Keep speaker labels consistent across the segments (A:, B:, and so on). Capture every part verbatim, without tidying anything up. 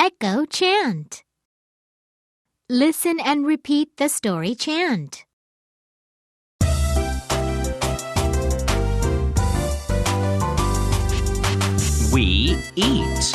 A: Echo chant. Listen and repeat the story chant.
B: We eat.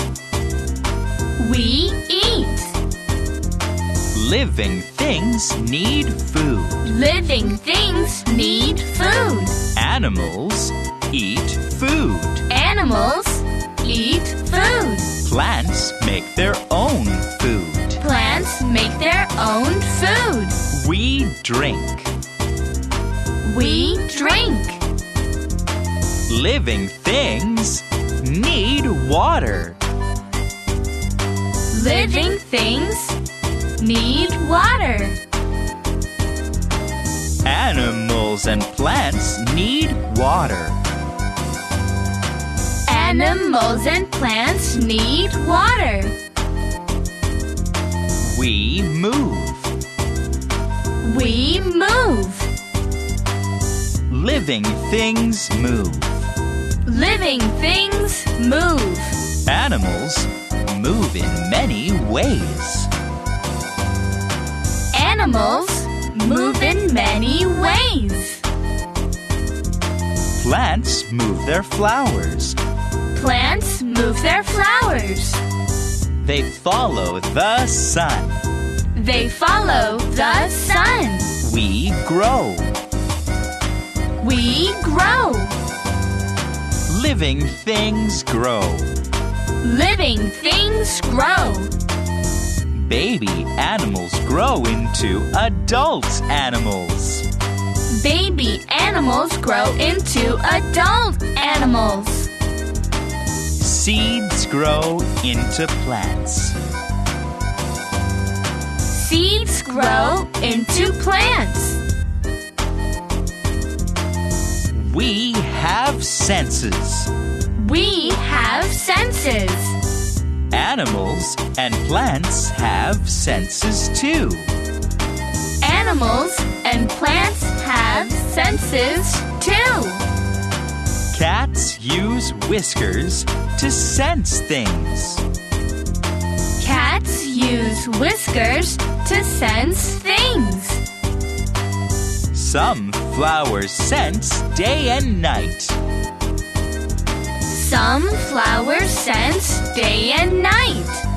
C: We eat.
B: Living things need food.
C: Living things need food.
B: Animals eat food.
C: Animals eat food.
B: Plants make their own food.
C: Plants make their own food.
B: We drink.
C: We drink.
B: Living things need water.
C: Living things need water.
B: Animals and plants need water.
C: Animals and plants need water.
B: We move.
C: We move.
B: Living things move.
C: Living things move.
B: Animals move in many ways.
C: Animals move in many ways.
B: Plants move their flowers.
C: Plants move their flowers.
B: They follow the sun.
C: They follow the sun.
B: We grow.
C: We grow.
B: Living things grow.
C: Living things grow.
B: Baby animals grow into adult animals.
C: Baby animals grow into adult animals.
B: Seeds grow into plants.
C: Seeds grow into plants.
B: We have senses.
C: We have senses.
B: Animals and plants have senses too.
C: Animals and plants have senses too.
B: Cats use whiskers to sense things.
C: Cats use whiskers to sense things.
B: Some flowers sense day and night.
C: Some flowers sense day and night.